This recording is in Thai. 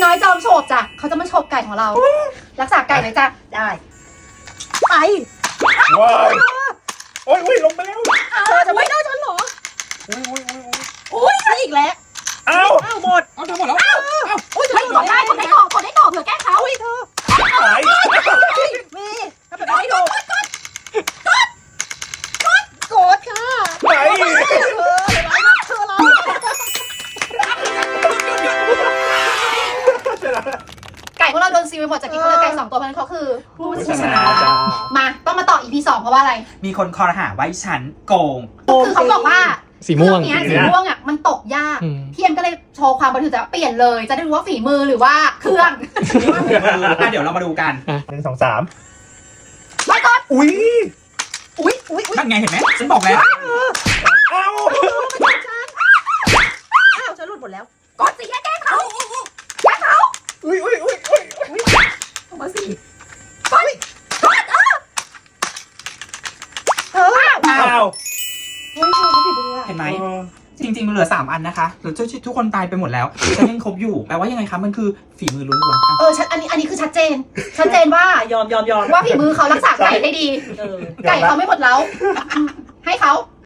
น้อยจอมโฉบจ้ะเขาจะมาโฉบไก่ของเรา รักษาไก่หน่อยจ้ะได้ไปว้ายโอ้ยลงไปแล้วเธอจะไม่ได้ฉันเหรอโอ้ยอุ้ยอีกแล้วเอ้าหมดเอาทั้งหมดแล้วอุ้ยไม่กดได้กดได้ต่อกดได้ต่อเผื่อแก้เขาอุ้ยเธอหายมีถ้าแบบไม่โดนกดค่ะหายเธอเรา ไก่พวกเราโดนซีลไปหมดจากที่เขาเหลือไก่2 ตัวเพราะฉะนั้นเขาคือผู้ชนะมาต้องมาต่อ EP 2เพราะว่าอะไรมีคนคอรหาไว้ฉันโกงคือเขาบอกว่าสีม่วงเรื่องเนี้ยสีม่วงอ่ะมันตกยากอืมพี่เอ็มก็เลยโชว์ความบริสุทธิ์ใจว่าเปลี่ยนเลย จะได้รู้ว่าฝีมือหรือว่าเครื่องเดี๋ยวเรามาดูกัน 1 2 3 ไม่กดอุ้ยอุ้ยนั่นไงเห็นไหมฉันบอกแล้วเอ้าอ้าวฉันหลุดหมดแล้วกดสิแก้เขาแก้เขาอุ้ยออกมาสิกดเธออ้าวเฮ้ยเธอเขาผิดเลยเห็นไหม จริงๆมันเหลือ3 อันนะคะหรือทุกคนตายไปหมดแล้วฉันยังครบอยู่แปลว่ายังไงคะมันคือฝีมือล้วนๆค่ะชัดอันนี้คือชัดเจนว่ายอมว่าฝีมือเขารักษาไก่ได้ดี ไก่เขาไม่หมดเล้าให้เขา